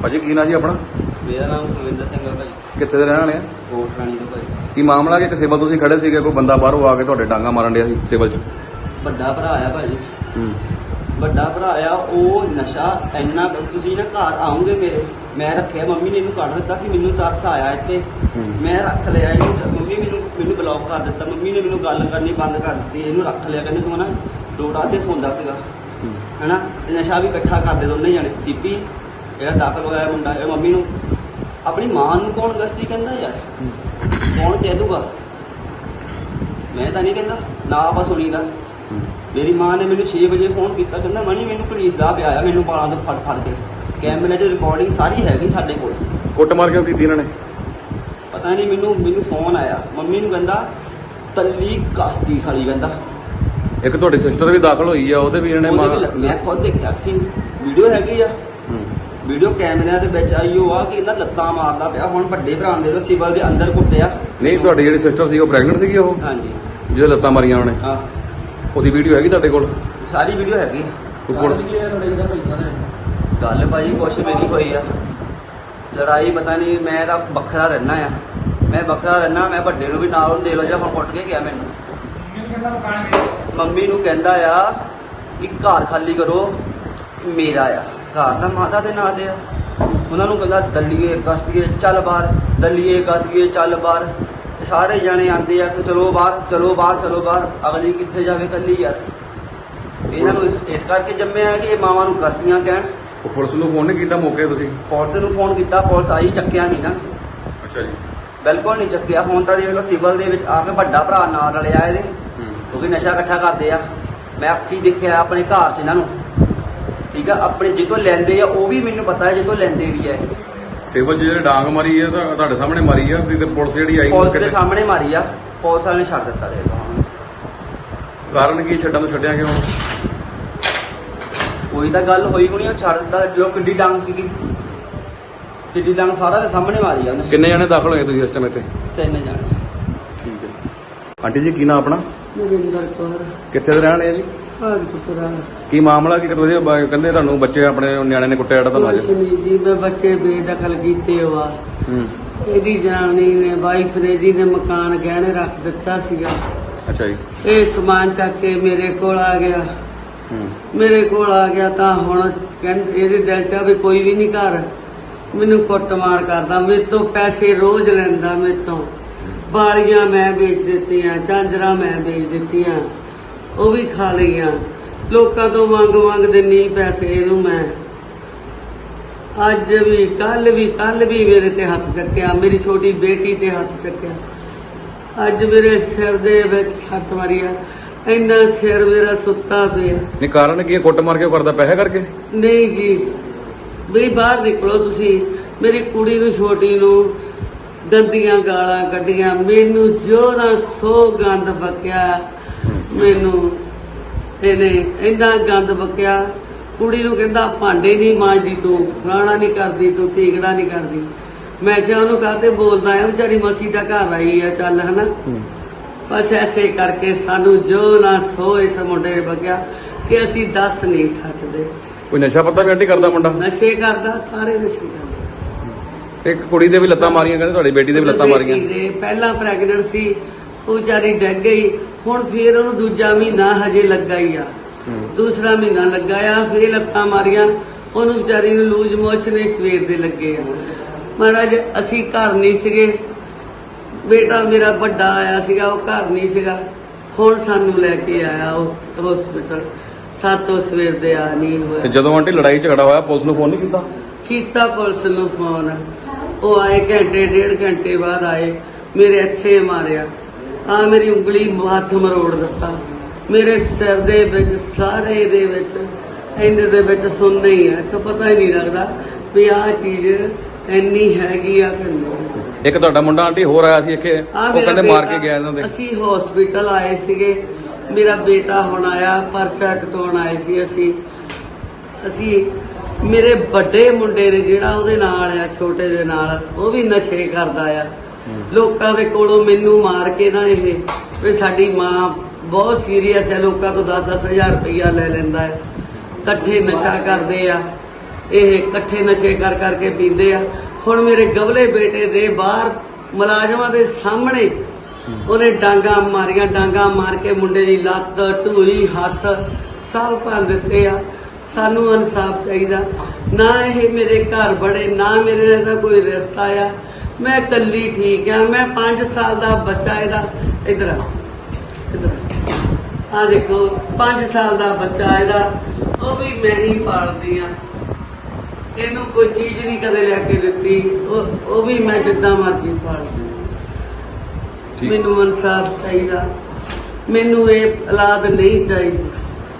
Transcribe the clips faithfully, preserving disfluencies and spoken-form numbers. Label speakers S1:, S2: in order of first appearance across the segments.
S1: ਭਾਜੀ ਕੀ ਨਾਂ ਜੀ ਆਪਣਾ?
S2: ਮੇਰਾ ਨਾਮ ਕੁਲਵਿੰਦਰ ਸਿੰਘ ਹੈ ਭਾਜੀ।
S1: ਕਿੱਥੇ ਦੇ ਰਹਿਣ ਵਾਲੇ ਆ?
S2: ਕੋਟ ਰਾਣੀ ਤੋਂ ਭਾਜੀ।
S1: ਕੀ ਮਾਮਲਾ ਕਿ ਸਿਵਲ ਤੁਸੀਂ ਖੜੇ ਸੀਗੇ, ਕੋਈ ਬੰਦਾ ਬਾਹਰੋਂ ਆ ਕੇ ਤੁਹਾਡੇ ਡਾਂਗਾ ਮਾਰਨ ਡਿਆ ਸੀ ਸਿਵਲ 'ਚ?
S2: ਵੱਡਾ ਭਰਾ ਆ ਭਾਜੀ,
S1: ਹੂੰ
S2: ਵੱਡਾ ਭਰਾ ਆ। ਉਹ ਨਸ਼ਾ ਇੰਨਾ, ਤੁਸੀਂ ਨਾ ਘਰ ਆਉਂਗੇ ਮੇਰੇ, ਮੈਂ ਰੱਖਿਆ, ਮੰਮੀ ਨੇ ਇਹਨੂੰ ਕੱਢ ਦਿੱਤਾ ਸੀ, ਮੈਨੂੰ ਤਰਸ ਆਇਆ ਇੱਥੇ, ਮੈਂ ਰੱਖ ਲਿਆ ਇਹਨੂੰ। ਮੰਮੀ ਮੈਨੂੰ ਮੈਨੂੰ ਬਲੌਕ ਕਰ ਦਿੱਤਾ, ਮੰਮੀ ਨੇ ਮੈਨੂੰ ਗੱਲ ਕਰਨੀ ਬੰਦ ਕਰ ਦਿੱਤੀ, ਇਹਨੂੰ ਰੱਖ ਲਿਆ। ਕਹਿੰਦੇ ਤੂੰ ਨਾ ਡੋੜਾ ਤੇ ਸੌਂਦਾ ਸੀਗਾ ਹੈਨਾ, ਨਸ਼ਾ ਵੀ ਇਕੱਠਾ ਕਰਦੇ ਦੋਨੇ ਜਾਣੇ। ਸੀਪੀ ਜਿਹੜਾ ਦਾਖਲ ਹੋਇਆ ਮੁੰਡਾ, ਇਹ ਮੰਮੀ ਨੂੰ, ਆਪਣੀ ਮਾਂ ਨੂੰ ਕੌਣ ਗਸਤੀ ਕਹਿੰਦਾ ਯਾਰ? ਕੌਣ ਕਹਿ ਦੂਗਾ? ਮੈਂ ਤਾਂ ਨਹੀਂ ਕਹਿੰਦਾ, ਨਾ ਆਪਾਂ ਸੁਣੀਦਾ। ਮੇਰੀ ਮਾਂ ਨੇ ਮੈਨੂੰ ਛੇ ਵਜੇ ਫੋਨ ਕੀਤਾ, ਕਹਿੰਦਾ ਮਣੀ ਮੈਨੂੰ ਪੁਲਿਸ ਦਾ ਪਿਆ, ਮੈਨੂੰ ਬਾਲਾਂ ਤੋਂ ਫੜ ਫੜ ਕੇ। ਕੈਮਰੇ 'ਚ ਰਿਕਾਰਡਿੰਗ ਸਾਰੀ ਹੈਗੀ ਸਾਡੇ ਕੋਲ।
S1: ਕੁੱਟ ਮਾਰ ਕਿਉਂ ਕੀਤੀ ਇਹਨਾਂ ਨੇ?
S2: ਪਤਾ ਨਹੀਂ, ਮੈਨੂੰ ਮੈਨੂੰ ਫੋਨ ਆਇਆ, ਮੰਮੀ ਨੂੰ ਕਹਿੰਦਾ ਤੱਲੀ ਕਸਤੀ ਸਾਲੀ ਕਹਿੰਦਾ।
S1: ਇੱਕ ਤੁਹਾਡੀ ਸਿਸਟਰ ਵੀ ਦਾਖਲ ਹੋਈ ਆ, ਉਹਦੇ ਵੀ ਇਹਨੇ
S2: ਮੈਂ ਖੁਦ ਦੇਖਿਆ, ਅੱਖੀ ਵੀਡੀਓ ਹੈਗੀ ਆ, ਵੀਡੀਓ ਕੈਮਰਿਆਂ ਦੇ ਵਿੱਚ ਆਈ ਉਹ ਆ ਕਿ ਇਹਨਾਂ ਲੱਤਾਂ ਮਾਰਦਾ ਪਿਆ। ਹੁਣ ਵੱਡੇ ਭਰਾ ਦੇ ਲੋ ਸਿਵਲ ਦੇ ਅੰਦਰ ਕੁੱਟਿਆ।
S1: ਨਹੀਂ, ਤੁਹਾਡੀ ਜਿਹੜੀ ਸਿਸਟਰ ਸੀ ਉਹ ਪ੍ਰੈਗਨੈਂਟ ਸੀਗੀ? ਉਹ
S2: ਹਾਂਜੀ,
S1: ਜਿਹਦੇ ਲੱਤਾਂ ਮਾਰੀਆਂ ਉਹਨੇ,
S2: ਹਾਂ,
S1: ਉਹਦੀ ਵੀਡੀਓ ਹੈਗੀ ਤੁਹਾਡੇ ਕੋਲ?
S2: ਸਾਰੀ ਵੀਡੀਓ ਹੈਗੀ।
S1: ਪੁਲਿਸ
S2: ਗੱਲ ਭਾਜੀ ਕੁਛ ਮੇਰੀ ਹੋਈ ਆ, ਲੜਾਈ ਪਤਾ ਨਹੀਂ, ਮੈਂ ਤਾਂ ਵੱਖਰਾ ਰਹਿਣਾ ਆ, ਮੈਂ ਵੱਖਰਾ ਰਹਿਣਾ। ਮੈਂ ਵੱਡੇ ਨੂੰ ਵੀ ਨਾਲ ਦੇ ਲੋ ਜਿਹੜਾ ਹੁਣ ਕੁੱਟ ਕੇ ਗਿਆ ਮੈਨੂੰ। ਮੰਮੀ ਨੂੰ ਕਹਿੰਦਾ ਆ ਕਿ ਘਰ ਖਾਲੀ ਕਰੋ, ਮੇਰਾ ਆ ਘਰ ਤਾਂ ਮਾਤਾ ਦੇ ਨਾਂ ਤੇ ਆ। ਉਹਨਾਂ ਨੂੰ ਕਹਿੰਦਾ ਦਲੀਏ ਕਸਦੀਏ ਚੱਲ ਬਾਹਰ, ਦਲੀਏ ਕਸਦੀਏ ਚੱਲ ਬਾਹਰ। ਸਾਰੇ ਜਾਣੇ ਆਉਂਦੇ ਆ ਕਿ ਚਲੋ ਬਾਹਰ, ਚਲੋ ਬਾਹਰ, ਚਲੋ ਬਾਹਰ। ਅਗਲੀ ਕਿੱਥੇ ਜਾਵੇ ਇਕੱਲੀ ਯਾਰ? ਇਹਨਾਂ ਨੂੰ ਇਸ ਕਰਕੇ ਜੰਮਿਆ ਕਿ ਇਹ ਮਾਵਾਂ ਨੂੰ ਕਸਦੀਆਂ ਕਹਿਣ।
S1: ਉਹ ਪੁਲਿਸ ਨੂੰ ਫੋਨ ਨਹੀਂ ਕੀਤਾ ਮੌਕੇ ਤੁਸੀਂ?
S2: ਪੁਲਿਸ ਨੂੰ ਫੋਨ ਕੀਤਾ, ਪੁਲਿਸ ਆਈ, ਚੱਕਿਆ ਨਹੀਂ ਨਾ।
S1: ਅੱਛਾ ਜੀ,
S2: ਬਿਲਕੁਲ ਨਹੀਂ ਚੱਕਿਆ। ਹੁਣ ਤਾਂ ਦੇਖ ਲਓ ਸਿਵਲ ਦੇ ਵਿੱਚ ਆ ਕੇ ਵੱਡਾ ਭਰਾ ਨਾਲ ਰਲਿਆ ਇਹਦੇ, ਕਿਉਂਕਿ ਨਸ਼ਾ ਇਕੱਠਾ ਕਰਦੇ ਆ। ਮੈਂ ਅੱਖੀ ਦੇਖਿਆ ਆਪਣੇ ਘਰ 'ਚ ਇਹਨਾਂ ਨੂੰ, ਠੀਕ ਆ। ਆਪਣੇ ਜਿੱਥੋਂ ਲੈਂਦੇ ਆ ਉਹ ਵੀ ਮੈਨੂੰ ਪਤਾ ਹੈ, ਜਿੱਥੋਂ ਲੈਂਦੇ ਵੀ ਆ ਇਹ।
S1: ਸਿਵਲ 'ਚ ਜਿਹੜੇ ਡਾਂਗ ਮਾਰੀ ਹੈ ਤਾਂ ਤੁਹਾਡੇ ਸਾਹਮਣੇ ਮਾਰੀ ਆ, ਤੇ ਪੁਲਿਸ ਜਿਹੜੀ ਆਈ
S2: ਪੁਲਿਸ ਦੇ ਸਾਹਮਣੇ ਮਾਰੀ ਆ, ਪੁਲਿਸ ਵਾਲੇ ਨੇ ਛੱਡ ਦਿੱਤਾ। ਦੇਖ ਲਓ
S1: ਕਾਰਨ ਕੀ ਛੱਡਣ ਤੋਂ ਛੱਡਿਆ ਕਿਉਂ?
S2: ਕੋਈ ਤਾਂ ਗੱਲ ਹੋਈ ਹੋਣੀ, ਉਹ ਛੱਡ ਦਿੱਤਾ। ਜੋ ਕਿੱਡੀ ਡਾਂਗ ਸੀਗੀ, ਕਿੱਡੀ ਡਾਂਗ ਸਾਰਾ ਦੇ ਸਾਹਮਣੇ ਮਾਰੀ ਆ ਉਹਨੇ।
S1: ਕਿੰਨੇ ਜਣੇ ਦਾਖਲ ਹੋਏ ਤੁਸੀਂ ਇਸ ਟਾਈਮ ਇੱਥੇ?
S2: ਤਿੰਨ ਜਾਣੇ।
S1: ਠੀਕ ਹੈ। ਆਂਟੀ ਜੀ ਕੀ ਨਾਮ ਆਪਣਾ?
S3: ਨਰਿੰਦਰ ਕੌਰ,
S1: ਕਿੱਥੇ ਦੇ ਰਹਿਣ ਵਾਲੇ ਆ ਜੀ?
S3: ਭਾਗਤਪੁਰਾ।
S1: ਕੀ ਮਾਮਲਾ ਕੀ ਕਰਦੇ? ਕਹਿੰਦੇ ਤੁਹਾਨੂੰ ਬੱਚੇ ਆਪਣੇ ਨਿਆਣੇ ਨੇ ਕੁੱਟਿਆ ਜਿਹੜਾ ਤੁਹਾਨੂੰ ਅੱਜ?
S3: ਕੁਛ ਨਹੀਂ ਜੀ, ਮੈਂ ਬੱਚੇ ਬੇਦਖਲ ਕੀਤੇ ਵਾ।
S1: ਹੂੰ,
S3: ਇਹਦੀ ਜਨਾਨੀ ਨੇ, ਵਾਈਫ ਨੇ ਜੀ ਨੇ ਮਕਾਨ ਗਹਿਣੇ ਰੱਖ ਦਿੱਤਾ ਸੀਗਾ।
S1: ਅੱਛਾ ਜੀ।
S3: ਇਹ ਸਮਾਨ ਚੱਕ ਕੇ ਮੇਰੇ ਕੋਲ ਆ ਗਿਆ।
S1: ਹੂੰ,
S3: ਮੇਰੇ ਕੋਲ ਆ ਗਿਆ ਤਾਂ ਹੁਣ ਕਹਿੰਦੇ ਇਹਦੇ ਦਿਲ 'ਚ ਆ ਵੀ ਕੋਈ ਵੀ ਨਹੀਂ ਘਰ। ਮੈਨੂੰ ਕੁੱਟਮਾਰ ਕਰਦਾ, ਮੇਰੇ ਤੋਂ ਪੈਸੇ ਰੋਜ਼ ਲੈਂਦਾ, ਮੇਰੇ ਤੋਂ ਬਾਲੀਆਂ ਮੈਂ ਵੇਚ ਦਿੱਤੀਆਂ, ਝਾਂਜਰਾਂ ਮੈਂ ਵੇਚ ਦਿੱਤੀਆਂ, ਉਹ ਵੀ ਖਾ ਲਈਆਂ। ਲੋਕਾਂ ਤੋਂ ਮੰਗ ਮੰਗ ਦਿੰਨੀ ਪੈਸੇ ਇਹਨੂੰ ਮੈਂ। ਅੱਜ ਵੀ, ਕੱਲ ਵੀ, ਕੱਲ ਵੀ ਮੇਰੇ ਤੇ ਹੱਥ ਚੱਕਿਆ, ਮੇਰੀ ਛੋਟੀ ਬੇਟੀ ਤੇ ਹੱਥ ਚੱਕਿਆ। ਅੱਜ ਮੇਰੇ ਸਿਰ ਦੇ ਵਿੱਚ ਸੱਟ ਮਾਰੀ ਆ, ਇੰਨਾ ਸਿਰ ਮੇਰਾ ਸੁੱਤਾ ਪਿਆ।
S1: ਨਹੀਂ, ਕਾਰਨ ਕੀ ਹੈ? ਕੁੱਟ ਮਾਰ ਕੇ ਕਰਦਾ ਪੈਸੇ ਕਰਕੇ?
S3: ਨਹੀਂ ਜੀ, ਵੀ ਬਾਹਰ ਨਿਕਲੋ ਤੁਸੀਂ। ਮੇਰੀ ਕੁੜੀ ਨੂੰ, ਛੋਟੀ ਨੂੰ ਗੰਦੀਆਂ ਗਾਲਾਂ ਕੱਢੀਆਂ, ਮੈਨੂੰ ਜੋਰਾਂ ਸੋ ਗੰਦ ਬਕਿਆ। ਮੈਨੂੰ ਇਹਨੇ ਇੰਨਾ ਗੰਦ ਬਕਿਆ। ਕੁੜੀ ਨੂੰ ਕਹਿੰਦਾ ਭਾਂਡੇ ਨਹੀਂ ਮਾਂਜਦੀ ਤੂੰ, ਫਲਾਣਾ ਨਹੀਂ ਕਰਦੀ ਤੂੰ, ਠੀਕੜਾ ਨਹੀਂ ਕਰਦੀ। ਮੈਂ ਕਿਹਾ ਉਹਨੂੰ ਕਾਹਤੇ ਬੋਲਦਾ ਆ, ਵਿਚਾਰੀ ਮਸੀ ਦਾ ਘਰ ਆਈ ਆ, ਚੱਲ ਹਨਾ। ਬਸ ਐਸੇ ਕਰਕੇ ਸਾਨੂੰ ਜੋ ਨਾ ਸੋ ਇਸ ਮੁੰਡੇ ਨੇ ਬਕਿਆ ਕਿ ਅਸੀਂ ਦੱਸ ਨਹੀਂ ਸਕਦੇ।
S1: ਕੋਈ ਨਸ਼ਾ ਪੱਤਾ ਵੀ ਆਂਟੀ ਕਰਦਾ ਮੁੰਡਾ?
S3: ਨਸ਼ੇ ਕਰਦਾ, ਸਾਰੇ ਨਸ਼ੇ ਕਰਦੇ।
S1: ਇੱਕ ਕੁੜੀ ਦੇ ਵੀ ਲੱਤਾਂ ਮਾਰੀਆਂ, ਕਹਿੰਦੇ ਤੁਹਾਡੀ ਬੇਟੀ ਦੇ ਵੀ ਲੱਤਾਂ ਮਾਰੀਆਂ।
S3: ਦੇ ਪਹਿਲਾਂ ਪ੍ਰੈਗਨੈਂਟ ਸੀ, ਉਹ ਵਿਚਾਰੀ ਡਿੱਗ ਗਈ। ਹੁਣ ਫੇਰ ਉਹਨੂੰ ਦੂਜਾ ਮਹੀਨਾ ਹਜੇ ਲੱਗਾ ਹੀ ਆ, ਦੂਸਰਾ ਮਹੀਨਾ ਲੱਗਾ ਆ, ਫੇਰ ਲੱਤਾਂ ਮਾਰੀਆਂ। ਉਹਨੂੰ ਵਿਚਾਰੀ ਨੂੰ ਲੂਜ ਮੋਸ਼ਨ ਸਵੇਰ ਦੇ ਲੱਗੇ ਆ। ਮਹਾਰਾਜ ਅਸੀਂ ਘਰ ਨਹੀਂ ਸੀਗੇ, ਬੇਟਾ ਮੇਰਾ ਵੱਡਾ ਆਇਆ ਸੀਗਾ, ਉਹ ਘਰ ਨਹੀਂ ਸੀਗਾ। ਹੁਣ ਸਾਨੂੰ ਲੈ ਕੇ ਆਇਆ ਹਸਪੀਟਲ, ਸਾਤੋਂ ਸਵੇਰ ਦੇ ਆ ਨਹੀਂ ਹੋਇਆ।
S1: ਜਦੋਂ ਆਂਟੀ ਲੜਾਈ ਝਗੜਾ ਹੋਇਆ ਪੁਲਿਸ ਨੂੰ ਫੋਨ ਨਹੀਂ ਕੀਤਾ?
S3: ਕੀਤਾ ਪੁਲਿਸ ਨੂੰ ਫੋਨ, ਉਹ ਆਏ ਘੰਟੇ ਡੇਢ ਘੰਟੇ ਬਾਅਦ ਆਏ, ਮੇਰੇ ਇੱਥੇ ਮਾਰਿਆ, ਆ ਮੇਰੀ ਉਂਗਲੀ ਹੱਥ ਮਰੋੜ ਦਿੱਤਾ, ਮੇਰੇ ਸਿਰ ਦੇ ਵਿੱਚ, ਸਾਰੇ ਦੇ ਵਿੱਚ, ਇੰਨੇ ਦੇ ਵਿੱਚ ਸੁਣਨਾ ਹੀ ਹੈ ਤਾਂ ਪਤਾ ਹੀ ਨਹੀਂ ਲੱਗਦਾ ਵੀ ਆਹ ਚੀਜ਼ ਇੰਨੀ ਹੈਗੀ ਆ ਕਿ ਨਹੀਂ।
S1: ਇੱਕ ਤੁਹਾਡਾ ਮੁੰਡਾ ਆਂਟੀ ਹੋਰ ਆਇਆ ਸੀ ਇੱਥੇ, ਉਹ ਕਹਿੰਦੇ ਮਾਰ ਕੇ ਗਿਆ ਇਹਨਾਂ ਦੇ।
S3: ਅਸੀਂ ਹਸਪੀਟਲ ਆਏ ਸੀਗੇ, ਮੇਰਾ ਬੇਟਾ ਹੁਣ ਆਇਆ, ਪਰਚਾ ਕਟਾਉਣ ਆਏ ਸੀ ਅਸੀਂ ਅਸੀਂ ਮੇਰੇ ਵੱਡੇ ਮੁੰਡੇ ਨੇ ਜਿਹੜਾ ਉਹਦੇ ਨਾਲ ਆ, ਛੋਟੇ ਦੇ ਨਾਲ, ਉਹ ਵੀ ਨਸ਼ੇ ਕਰਦਾ ਆ। ਲੋਕਾਂ ਦੇ ਕੋਲੋਂ ਮੈਨੂੰ ਮਾਰ ਕੇ ਨਾ ਇਹ ਵੀ ਸਾਡੀ ਮਾਂ ਬਹੁਤ ਸੀਰੀਅਸ ਹੈ, ਲੋਕਾਂ ਤੋਂ ਦਸ ਦਸ ਹਜ਼ਾਰ ਰੁਪਈਆ ਲੈ ਲੈਂਦਾ ਹੈ, ਇਕੱਠੇ ਨਸ਼ਾ ਕਰਦੇ ਆ। ਇਹ ਇਕੱਠੇ ਨਸ਼ੇ ਕਰ ਕਰਕੇ ਪੀਂਦੇ ਆ। ਹੁਣ ਮੇਰੇ ਗਵਲੇ ਬੇਟੇ ਦੇ ਬਾਹਰ ਮੁਲਾਜ਼ਮਾਂ ਦੇ ਸਾਹਮਣੇ ਉਹਨੇ ਡਾਂਗਾ ਮਾਰੀਆਂ, ਡਾਂਗਾ ਮਾਰ ਕੇ ਮੁੰਡੇ ਦੀ ਲੱਤ, ਢੂਈ, ਹੱਥ ਸਭ ਭੰਨ ਦਿੱਤੇ ਆ। ਸਾਨੂੰ ਇਨਸਾਫ ਚਾਹੀਦਾ। ਨਾ ਇਹ ਮੇਰੇ ਘਰ ਬੜੇ, ਨਾ ਮੇਰੇ ਦਾ ਕੋਈ ਰਿਸ਼ਤਾ ਆ। ਮੈਂ ਇਕੱਲੀ ਠੀਕ ਆ। ਮੈਂ ਪੰਜ ਸਾਲ ਦਾ ਬੱਚਾ ਇਹਦਾ, ਇਧਰ ਆ ਇਧਰ ਆ ਦੇਖੋ, ਪੰਜ ਸਾਲ ਦਾ ਬੱਚਾ ਇਹਦਾ, ਉਹ ਵੀ ਮੈਂ ਹੀ ਪਾਲਦੀ ਆ। ਇਹਨੂੰ ਕੋਈ ਚੀਜ਼ ਨਹੀਂ ਕਦੇ ਲੈ ਕੇ ਦਿੱਤੀ, ਉਹ ਉਹ ਵੀ ਮੈਂ ਜਿੱਦਾਂ ਮਰਜ਼ੀ ਪਾਲਦੀ।
S1: ਠੀਕ।
S3: ਮੈਨੂੰ ਇਨਸਾਫ ਚਾਹੀਦਾ। ਮੈਨੂੰ ਇਹ ਔਲਾਦ ਨਹੀਂ ਚਾਹੀਦੀ।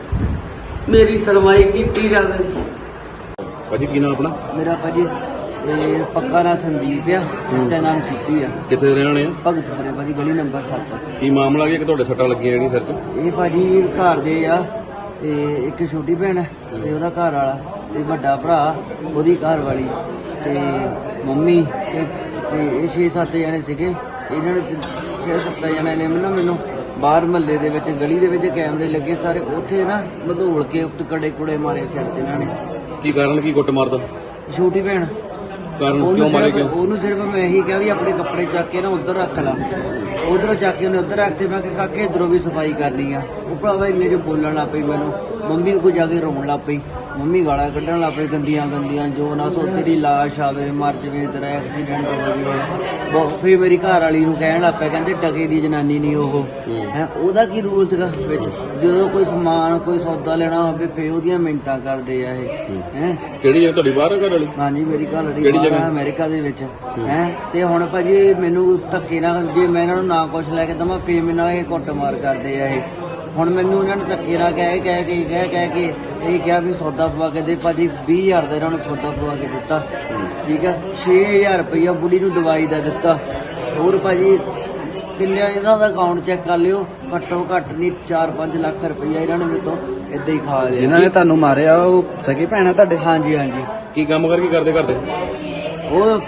S3: ਮੇਰੀ ਸੁਣਵਾਈ ਕੀਤੀ ਜਾਵੇ।
S1: ਭਾਜੀ ਕੀ ਨਾਮ ਆਪਣਾ?
S2: ਮੇਰਾ ਭਾਜੀ ਇਹ ਪੱਕਾ ਨਾਂ ਸੰਦੀਪ ਆ, ਬੱਚਾ ਨਾਮ ਸਿੱਪੀ ਆ।
S1: ਕਿੱਥੇ ਦੇ ਰਹਿਣ ਵਾਲੇ ਆ?
S2: ਭਗਤਪੁਰੇ ਭਾਜੀ, ਗਲੀ ਨੰਬਰ ਸੱਤ।
S1: ਕੀ ਮਾਮਲਾ ਕੀ ਹੈ ਕਿ ਤੁਹਾਡੇ ਸੱਟਾਂ ਲੱਗੀਆਂ ਜਿਹੜੀਆਂ ਸਿਰ 'ਚ?
S2: ਇਹ ਭਾਜੀ ਘਰ ਦੇ ਆ, ਤੇ ਇੱਕ ਛੋਟੀ ਭੈਣ ਤੇ ਉਹਦਾ ਘਰ ਵਾਲਾ, ਤੇ ਵੱਡਾ ਭਰਾ, ਉਹਦੀ ਘਰ ਵਾਲੀ, ਤੇ ਮੰਮੀ, ਤੇ ਤੇ ਇਹ ਛੇ ਸੱਤ ਜਣੇ ਸੀਗੇ। ਇਹਨਾਂ ਨੇ ਛੇ ਸੱਤ ਜਣੇ ਨੇ ਮੈਨੂੰ ਮੈਨੂੰ ਬਾਹਰ ਮਹੱਲੇ ਦੇ ਵਿੱਚ, ਗਲੀ ਦੇ ਵਿੱਚ ਕੈਮਰੇ ਲੱਗੇ ਸਾਰੇ, ਉੱਥੇ ਨਾ ਮਧੋਲ ਕੇ ਉੱਤੇ ਕੜੇ ਕੁੜੇ ਮਾਰੇ ਸਿਰ 'ਚ ਇਹਨਾਂ ਨੇ।
S1: ਕੀ ਕਾਰਨ ਕੀ ਕੁੱਟ ਮਾਰਦਾ?
S2: ਛੋਟੀ ਭੈਣ,
S1: ਕਾਰਨ
S2: ਉਹਨੂੰ
S1: ਕਿਉਂ ਮਾਰੇ
S2: ਸਿਰਫ
S1: ਕਿਉਂ?
S2: ਉਹਨੂੰ ਸਿਰਫ ਮੈਂ ਇਹੀ ਕਿਹਾ ਵੀ ਆਪਣੇ ਕੱਪੜੇ ਚੱਕ ਕੇ ਨਾ ਉੱਧਰ ਰੱਖ ਲਾ। ਉਧਰੋਂ ਚੱਕ ਕੇ ਉਹਨੇ ਉੱਧਰ ਰੱਖਤੇ। ਮੈਂ ਕਿਹਾ ਕਾਕੇ ਇੱਧਰੋਂ ਵੀ ਸਫਾਈ ਕਰਨੀ ਆ। ਉਹ ਭਰਾਵਾ ਇੰਨੇ 'ਚ ਬੋਲਣ ਲੱਗ ਪਈ ਮੈਨੂੰ। ਮੰਮੀ ਕੋਲ ਜਾ ਕੇ ਰੋਣ ਲੱਗ ਪਈ। ਮੰਮੀ ਗਾਲਾਂ ਕੱਢਣ ਲੱਗ ਪਈ ਗੰਦੀਆਂ ਗੰਦੀਆਂ, ਜੋ ਨਾ ਸੋ ਤੇਰੀ ਲਾਸ਼ ਆਵੇ, ਮਰ ਜਵੇ, ਤੇਰਾ ਐਕਸੀਡੈਂਟ ਹੋ ਜਾਵੇ। ਬਹੁਤ ਫਿਰ ਮੇਰੀ ਘਰ ਵਾਲੀ ਨੂੰ ਕਹਿਣ ਲੱਗ ਪਿਆ, ਕਹਿੰਦੇ ਟਕੇ ਦੀ ਜਨਾਨੀ ਨਹੀਂ ਉਹ ਹੈ। ਉਹਦਾ ਕੀ ਰੂਲ ਸੀਗਾ ਵਿੱਚ? ਜਦੋਂ ਕੋਈ ਸਮਾਨ, ਕੋਈ ਸੌਦਾ ਲੈਣਾ ਹੋਵੇ ਫੇਰ ਉਹਦੀਆਂ ਮਿੰਨਤਾਂ ਕਰਦੇ ਆ ਇਹ ਹੈ।
S1: ਕਿਹੜੀ ਜਗ੍ਹਾ ਤੁਹਾਡੀ ਬਾਹਰ ਘਰ ਵਾਲੀ?
S2: ਹਾਂਜੀ ਮੇਰੀ ਘਰ ਵਾਲੀ
S1: ਕਿਹੜੀ
S2: ਬਾਹਰ
S1: ਜਗ੍ਹਾ?
S2: ਆ, ਅਮਰੀਕਾ ਦੇ ਵਿੱਚ ਹੈ। ਤੇ ਹੁਣ ਭਾਜੀ ਮੈਨੂੰ ਧੱਕੇ ਨਾਲ, ਜੇ ਮੈਂ ਇਹਨਾਂ ਨੂੰ ਨਾ ਕੁਛ ਲੈ ਕੇ ਦਵਾਂ ਫੇਰ ਮੇਰੇ ਨਾਲ ਇਹ ਕੁੱਟਮਾਰ ਕਰਦੇ ਆ ਇਹ। ਹੁਣ ਮੈਨੂੰ ਇਹਨਾਂ ਨੇ ਧੱਕੇ ਨਾਲ ਕਹਿ ਕਹਿ ਕੇ ਕਹਿ ਕਹਿ ਕੇ ਇਹ ਕਿਹਾ ਵੀ ਸੌਦਾ ਪਵਾ ਕੇ ਦੇ। ਭਾਜੀ ਵੀਹ ਹਜ਼ਾਰ ਦਾ ਇਹਨਾਂ ਨੇ ਸੌਦਾ ਪਵਾ ਕੇ ਦਿੱਤਾ, ਠੀਕ ਹੈ। ਛੇ ਹਜ਼ਾਰ ਰੁਪਈਆ ਬੁੜੀ ਨੂੰ ਦਵਾਈ ਦਾ ਦਿੱਤਾ। ਹੋਰ ਭਾਜੀ ਕਿੰਨੇ ਇਹਨਾਂ ਦਾ ਅਕਾਊਂਟ ਚੈੱਕ ਕਰ ਲਿਓ, ਘੱਟੋ ਘੱਟ ਨਹੀਂ ਚਾਰ ਪੰਜ ਲੱਖ ਰੁਪਈਆ ਇਹਨਾਂ ਨੇ ਮੇਰੇ ਤੋਂ ਏਦਾਂ ਹੀ ਖਾ ਲਿਆ।
S4: ਜਿਨ੍ਹਾਂ ਨੇ ਤੁਹਾਨੂੰ ਮਾਰਿਆ ਉਹ ਸਗੀ ਭੈਣ ਆ ਤੁਹਾਡੇ?
S2: ਹਾਂਜੀ ਹਾਂਜੀ,
S1: ਕੀ ਕੰਮ ਕਰਕੇ ਕਰਦੇ ਕਰਦੇ?
S2: ਉਹ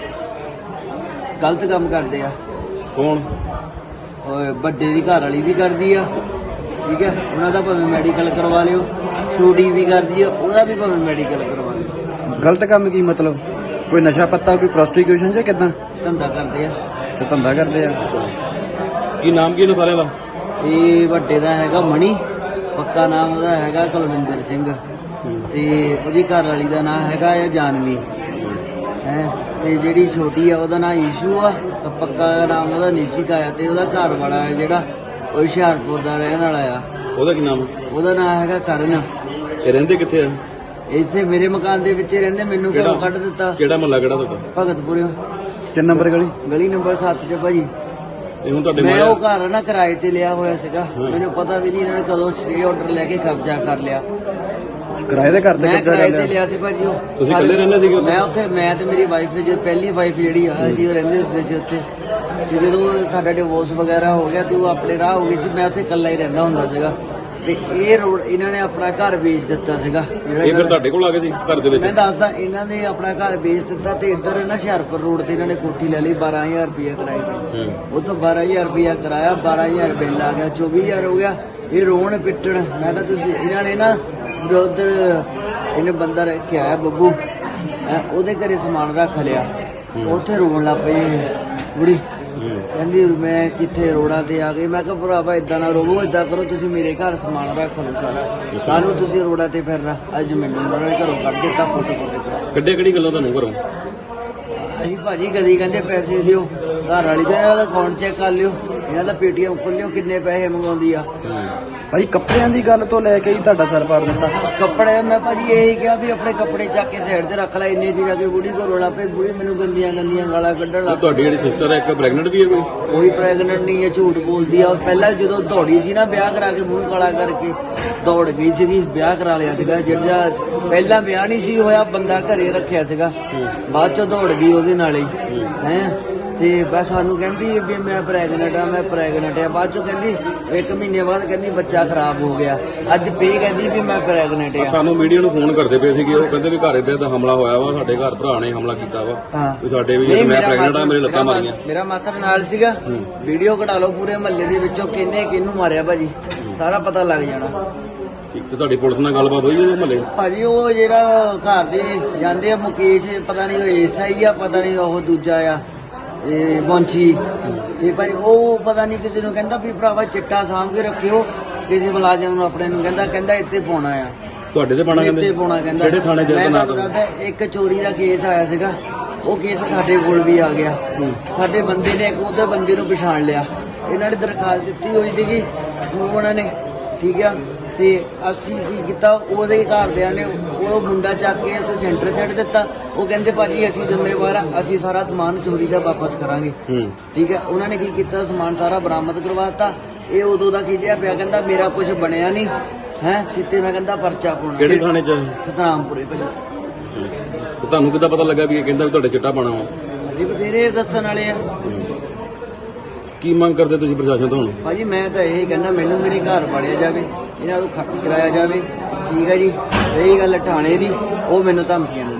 S2: ਗਲਤ ਕੰਮ ਕਰਦੇ ਆ।
S1: ਕੌਣ?
S2: ਉਹ ਵੱਡੇ ਦੀ ਘਰ ਵਾਲੀ ਵੀ ਕਰਦੀ ਆ, ਠੀਕ ਹੈ। ਉਹਨਾਂ ਦਾ ਭਾਵੇਂ ਮੈਡੀਕਲ ਕਰਵਾ ਲਿਓ। ਛੋਟੀ ਵੀ ਕਰਦੀ ਆ, ਉਹਦਾ ਵੀ ਭਾਵੇਂ ਮੈਡੀਕਲ ਕਰਵਾ ਲਿਓ।
S4: ਗਲਤ ਕੰਮ ਕੀ ਮਤਲਬ? ਕੋਈ ਨਸ਼ਾ ਪੱਤਾ, ਕੋਈ ਪ੍ਰੋਸਟੀਕਿਊਸ਼ਨ ਜਾਂ ਕਿਦਾਂ?
S2: ਧੰਦਾ ਕਰਦੇ ਆ।
S4: ਤੇ ਧੰਦਾ ਕਰਦੇ ਆ।
S1: ਕੀ ਨਾਮ ਕੀ ਇਹਨਾਂ ਸਾਰਿਆਂ ਦਾ?
S2: ਇਹ ਵੱਡੇ ਦਾ ਹੈਗਾ ਮਣੀ, ਪੱਕਾ ਨਾਮ ਉਹਦਾ ਹੈਗਾ ਕੁਲਵਿੰਦਰ ਸਿੰਘ, ਤੇ ਉਹਦੀ ਘਰ ਵਾਲੀ ਦਾ ਨਾਮ ਹੈਗਾ ਆ ਜਾਨਵੀ ਹੈ। ਤੇ ਜਿਹੜੀ ਛੋਟੀ ਆ ਉਹਦਾ ਨਾਮ ਈਸ਼ੂ ਆ, ਤੇ ਪੱਕਾ ਨਾਮ ਉਹਦਾ ਨਿਸ਼ਿਕਾ ਆ। ਤੇ ਉਹਦਾ ਘਰ ਵਾਲਾ ਹੈ ਜਿਹੜਾ ਉਹ ਹੁਸ਼ਿਆਰਪੁਰ ਦਾ ਰਹਿਣ ਵਾਲਾ ਆ।
S1: ਉਹਦਾ ਕੀ ਨਾਮ?
S2: ਉਹਦਾ ਨਾਮ ਹੈਗਾ ਕਰਨ।
S1: ਇਹ ਰਹਿੰਦੇ ਕਿੱਥੇ ਆ?
S2: ਇੱਥੇ ਮੇਰੇ ਮਕਾਨ ਦੇ ਵਿੱਚ ਹੀ ਰਹਿੰਦੇ। ਮੈਨੂੰ ਘਰੋਂ ਕੱਢ ਦਿੱਤਾ।
S1: ਕਿਹੜਾ ਮਹੱਲਾ ਕਿਹੜਾ ਤੁਹਾਡਾ?
S2: ਭਗਤਪੁਰੇ
S4: ਕਿੰਨ ਨੰਬਰ ਗਲੀ?
S2: ਗਲੀ ਨੰਬਰ ਸੱਤ 'ਚ ਭਾਜੀ।
S1: ਇਹ ਹੁਣ ਤੁਹਾਡੇ
S2: ਮੈਂ
S1: ਮਾਰਿਆ?
S2: ਉਹ ਘਰ ਨਾ ਕਿਰਾਏ ਤੇ ਲਿਆ ਹੋਇਆ ਸੀਗਾ। ਮੈਨੂੰ ਪਤਾ ਵੀ ਨਹੀਂ ਇਹਨਾਂ ਨੇ ਕਦੋਂ ਸਟੇ ਆਰਡਰ ਲੈ ਕੇ ਕਬਜ਼ਾ ਕਰ ਲਿਆ।
S4: ਕਿਰਾਏ ਦੇ ਘਰ ਤੇ
S2: ਮੈਂ
S4: ਕਿੱਦਾਂ
S2: ਕਿਰਾਏ ਤੇ
S4: ਰਹਿੰਦੇ?
S2: ਲਿਆ ਸੀ ਭਾਜੀ। ਉਹ
S1: ਤੁਸੀਂ ਇਕੱਲੇ ਰਹਿੰਦੇ ਸੀਗੇ ਉੱਥੇ?
S2: ਮੈਂ ਉੱਥੇ, ਮੈਂ ਤੇ ਮੇਰੀ ਵਾਈਫ ਤੇ, ਪਹਿਲੀ ਵਾਈਫ ਜਿਹੜੀ ਆ ਸੀ, ਉਹ ਰਹਿੰਦੇ ਹੁੰਦੇ ਸੀ ਉੱਥੇ। ਤੇ ਜਦੋਂ ਸਾਡਾ ਡਿਵੋਰਸ ਵਗੈਰਾ ਹੋ ਗਿਆ ਤੇ ਉਹ ਆਪਣੇ ਰਾਹ ਹੋ ਗਈ ਸੀ, ਮੈਂ ਉੱਥੇ ਇਕੱਲਾ ਹੀ ਰਹਿੰਦਾ ਹੁੰਦਾ ਸੀਗਾ। ਤੇ ਇਹ ਰੋਡ ਇਹਨਾਂ ਨੇ ਆਪਣਾ ਘਰ ਵੇਚ ਦਿੱਤਾ ਸੀਗਾ। ਜਿਹੜਾ
S1: ਇਹ ਫਿਰ ਤੁਹਾਡੇ ਕੋਲ ਆ ਗਏ ਸੀ ਘਰ ਦੇ ਵਿੱਚ?
S2: ਮੈਂ ਦੱਸਦਾ, ਇਹਨਾਂ ਨੇ ਆਪਣਾ ਘਰ ਵੇਚ ਦਿੱਤਾ ਤੇ ਇੱਧਰ ਨਾ ਹੁਸ਼ਿਆਰਪੁਰ ਰੋਡ ਤੇ ਇਹਨਾਂ ਨੇ ਕੋਠੀ ਲੈ ਲਈ ਬਾਰਾਂ ਹਜ਼ਾਰ ਰੁਪਇਆ ਕਿਰਾਏ ਤੇ। ਉੱਥੋਂ ਬਾਰਾਂ ਹਜ਼ਾਰ ਰੁਪਇਆ ਕਰਾਇਆ, ਬਾਰਾਂ ਹਜ਼ਾਰ ਬਿੱਲ ਆ ਗਿਆ, ਚੌਵੀ ਹਜ਼ਾਰ ਹੋ ਗਿਆ। ਇਹ ਰੋਣ ਪਿੱਟਣ। ਮੈਂ ਕਿਹਾ ਤੁਸੀਂ, ਇਹਨਾਂ ਨੇ ਨਾ ਉਧਰ ਇਹਨੇ ਬੰਦਾ ਰੱਖਿਆ ਹੈ ਬੱਬੂ, ਹੈਂ, ਉਹਦੇ ਘਰੇ ਸਮਾਨ ਰੱਖ ਲਿਆ। ਉੱਥੇ ਰੋਣ ਲੱਗ ਪਈ ਬੁੜੀ। ਕਹਿੰਦੀ ਮੈਂ ਕਿੱਥੇ ਰੋੜਾਂ ਤੇ ਆ ਗਈ। ਮੈਂ ਕਿਹਾ ਭਰਾਵਾ ਏਦਾਂ ਨਾ ਰੋਵੋ, ਏਦਾਂ ਕਰੋ ਤੁਸੀਂ ਮੇਰੇ ਘਰ ਸਮਾਨ ਰੱਖ ਲਓ ਸਾਰਾ, ਸਾਨੂੰ ਤੁਸੀਂ ਰੋੜਾਂ ਤੇ ਫਿਰਨਾ। ਅੱਜ ਮੈਨੂੰ ਉਹਨਾਂ ਨੇ ਘਰੋਂ ਕੱਢ ਦਿੱਤਾ, ਫੋਟੋ ਫੋਟੋ
S1: ਕੱਢੇ ਕਿਹੜੀ ਗੱਲੋਂ ਤੁਹਾਨੂੰ ਘਰੋਂ?
S2: ਅਸੀਂ ਭਾਜੀ ਕਦੀ ਕਹਿੰਦੇ ਪੈਸੇ ਦਿਓ, ਘਰ ਵਾਲੀ ਦਾ ਇਹਨਾਂ ਦਾ ਅਕਾਊਂਟ ਚੈੱਕ ਕਰ ਲਿਓ, ਇਹਨਾਂ ਦਾ ਪੇਟੀਐਮ ਖੋਲਿਓ, ਕਿੰਨੇ ਪੈਸੇ ਮੰਗਾਉਂਦੀ ਆ।
S4: ਭਾਈ ਕੱਪੜਿਆਂ ਦੀ ਗੱਲ ਤੋਂ ਲੈ ਕੇ ਹੀ ਤੁਹਾਡਾ ਸਰ ਪਾੜ ਦਿੱਤਾ?
S2: ਕੱਪੜੇ ਮੈਂ ਭਾਜੀ ਇਹੀ ਕਿਹਾ ਵੀ ਆਪਣੇ ਕੱਪੜੇ ਚੱਕ ਕੇ ਸਾਈਡ ਤੇ ਰੱਖ ਲੈ। ਇੰਨੇ ਚ ਜਾ ਕੇ ਬੁੜੀ ਕੋਲ ਰੋਲਾ ਪਈ। ਬੁੜੀ ਮੈਨੂੰ ਗੰਦੀਆਂ ਗੰਦੀਆਂ ਗਾਲਾਂ ਕੱਢਣ ਲੱਗ ਪਈ।
S1: ਤੁਹਾਡੀ ਜਿਹੜੀ ਸਿਸਟਰ ਹੈ ਇੱਕ ਪ੍ਰੈਗਨੈਂਟ ਵੀ ਹੈ ਕੋਈ?
S2: ਕੋਈ ਪ੍ਰੈਗਨੈਂਟ ਨਹੀਂ ਹੈ, ਝੂਠ ਬੋਲਦੀ ਆ। ਪਹਿਲਾਂ ਜਦੋਂ ਦੌੜੀ ਸੀ ਨਾ ਵਿਆਹ ਕਰਾ ਕੇ, ਮੂੰਹ ਕਾਲਾ ਕਰਕੇ ਦੌੜ ਗਈ ਸੀਗੀ, ਵਿਆਹ ਕਰਾ ਲਿਆ ਸੀਗਾ। ਜਿਹੜਾ ਪਹਿਲਾਂ ਵਿਆਹ ਨਹੀਂ ਸੀ ਹੋਇਆ, ਬੰਦਾ ਘਰੇ ਰੱਖਿਆ ਸੀਗਾ, ਬਾਅਦ ਚੋਂ ਦੌੜ ਗਈ ਉਹਦੇ ਨਾਲ ਹੀ ਹੈ। ਤੇ ਬਸ ਸਾਨੂੰ ਕਹਿੰਦੀ ਵੀ ਮੈਂ ਪ੍ਰੈਗਨੈਂਟ ਆ, ਮੈਂ ਪ੍ਰੈਗਨੈਂਟ ਆ। ਬਾਅਦ ਚੋਂ ਕਹਿੰਦੀ ਇੱਕ ਮਹੀਨੇ ਬਾਅਦ ਕਹਿੰਦੀ ਬੱਚਾ ਖਰਾਬ ਹੋ ਗਿਆ। ਅੱਜ ਫੇਰ ਕਹਿੰਦੀ ਵੀ ਮੈਂ ਪ੍ਰੈਗਨੈਂਟ ਆ।
S1: ਸਾਨੂੰ ਮੀਡੀਆ ਨੂੰ ਫੋਨ ਕਰਦੇ ਪਏ ਸੀਗੇ, ਉਹ ਕਹਿੰਦੇ ਵੀ ਘਰ ਇੱਥੇ ਤਾਂ ਹਮਲਾ ਹੋਇਆ ਵਾ, ਸਾਡੇ ਘਰ ਭਰਾ ਨੇ ਹਮਲਾ ਕੀਤਾ ਵਾ
S2: ਹਾਂ
S1: ਵੀ ਸਾਡੇ ਵੀ
S2: ਨਹੀਂ,
S1: ਮੈਂ
S2: ਮੇਰਾ
S1: ਪ੍ਰੈਗਨੈਂਟ ਆ, ਮੇਰੇ ਲੱਤਾਂ
S2: ਮੇਰਾ
S1: ਮਾਰੀਆਂ।
S2: ਮੇਰਾ ਮਾਸਟਰ ਨਾਲ ਸੀਗਾ। ਵੀਡੀਓ ਕਢਾ ਲਓ ਪੂਰੇ ਮਹੱਲੇ ਦੇ ਵਿੱਚੋਂ ਕਿੰਨੇ ਕਿਹਨੂੰ ਮਾਰਿਆ ਭਾਜੀ, ਸਾਰਾ ਪਤਾ ਲੱਗ ਜਾਣਾ।
S1: ਠੀਕ ਤੇ ਤੁਹਾਡੀ ਪੁਲਿਸ ਨਾਲ ਗੱਲਬਾਤ ਹੋਈ ਹੈ ਮਹੱਲੇ?
S5: ਭਾਜੀ ਉਹ ਜਿਹੜਾ ਘਰ ਦੇ ਜਾਂਦੇ ਆ ਮੁਕੇਸ਼, ਪਤਾ ਨਹੀਂ ਉਹ ਐਸਆਈ ਆ, ਪਤਾ ਨਹੀਂ ਉਹ ਦੂਜਾ ਆ ਇਹ ਬੌਂਚੀ, ਤੇ ਭਾਈ ਉਹ ਪਤਾ ਨਹੀਂ ਕਿਸੇ ਨੂੰ ਕਹਿੰਦਾ ਵੀ ਭਰਾਵਾ ਚਿੱਟਾ ਸਾਂਭ ਕੇ ਰੱਖਿਓ, ਕਿਸੇ ਮੁਲਾਜ਼ਮ ਨੂੰ ਆਪਣੇ ਨੂੰ ਕਹਿੰਦਾ ਕਹਿੰਦਾ ਇੱਥੇ ਪਾਉਣਾ ਆ,
S1: ਤੁਹਾਡੇ ਤੇ ਪਾਣਾ
S5: ਇੱਥੇ
S1: ਕਹਿੰਦੇ?
S5: ਪਾਉਣਾ ਕਹਿੰਦਾ।
S1: ਕਿਹੜੇ ਥਾਣੇ ਚ?
S5: ਮੈਂ
S1: ਨਾ
S5: ਤੁਹਾਨੂੰ ਦੱਸਦਾ, ਇੱਕ ਚੋਰੀ ਦਾ ਕੇਸ ਆਇਆ ਸੀਗਾ, ਉਹ ਕੇਸ ਸਾਡੇ ਕੋਲ ਵੀ ਆ ਗਿਆ। ਸਾਡੇ ਬੰਦੇ ਨੇ ਇੱਕ ਉਹਦੇ ਬੰਦੇ ਨੂੰ ਪਛਾਣ ਲਿਆ, ਇਹਨਾਂ ਨੇ ਦਰਖਾਸਤ ਦਿੱਤੀ ਹੋਈ ਸੀਗੀ ਉਹਨਾਂ ਨੇ, ਠੀਕ ਆ। ਤੇ ਅਸੀਂ ਕੀ ਕੀਤਾ, ਉਹਦੇ ਘਰਦਿਆਂ ਨੇ ਉਹ ਮੁੰਡਾ ਚੱਕ ਕੇ ਅਸੀਂ ਸੈਂਟਰ ਛੱਡ ਦਿੱਤਾ। ਉਹ ਕਹਿੰਦੇ ਭਾਜੀ ਅਸੀਂ ਜ਼ਿੰਮੇਵਾਰ ਆ, ਅਸੀਂ ਸਾਰਾ ਸਮਾਨ ਚੋਰੀ ਦਾ ਵਾਪਸ ਕਰਾਂਗੇ, ਠੀਕ ਹੈ। ਉਹਨਾਂ ਨੇ ਕੀ ਕੀਤਾ, ਸਮਾਨ ਸਾਰਾ ਬਰਾਮਦ ਕਰਵਾਤਾ। ਇਹ ਉਦੋਂ ਦਾ ਖਿਜਿਆ ਪਿਆ, ਕਹਿੰਦਾ ਮੇਰਾ ਕੁਝ ਬਣਿਆ ਨਹੀਂ ਹੈ ਕਿਤੇ, ਮੈਂ ਕਹਿੰਦਾ ਪਰਚਾ ਪਾਉਣਾ।
S1: ਕਿਹੜੇ ਥਾਣੇ ਚ?
S5: ਸਤਨਾਮਪੁਰੇ ਭਾਜੀ।
S1: ਤੇ ਤੁਹਾਨੂੰ ਕਿੱਦਾਂ ਪਤਾ ਲੱਗਾ ਵੀ ਇਹ ਕਹਿੰਦਾ ਵੀ ਤੁਹਾਡੇ ਚਿੱਟਾ ਪਾਣਾ ਵਾ?
S5: ਜੀ ਬਥੇਰੇ ਦੱਸਣ ਵਾਲੇ ਆ
S1: ਕੀ ਮੰਗ ਕਰਦੇ ਤੁਸੀਂ ਪ੍ਰਸ਼ਾਸਨ ਤੋਂ ਹੁਣ?
S5: ਭਾਜੀ। ਮੈਂ ਤਾਂ ਇਹ ਕਹਿੰਦਾ ਮੈਨੂੰ ਮੇਰੇ ਘਰ ਪਾੜਿਆ ਜਾਵੇ, ਇਹਨਾਂ ਨੂੰ ਖੱਤ ਕਰਾਇਆ ਜਾਵੇ, ਠੀਕ ਹੈ ਜੀ। ਰਹੀ ਗੱਲ ਥਾਣੇ ਦੀ, ਉਹ ਮੈਨੂੰ ਧਮਕੀਆਂ ਦਿੰਦੇ।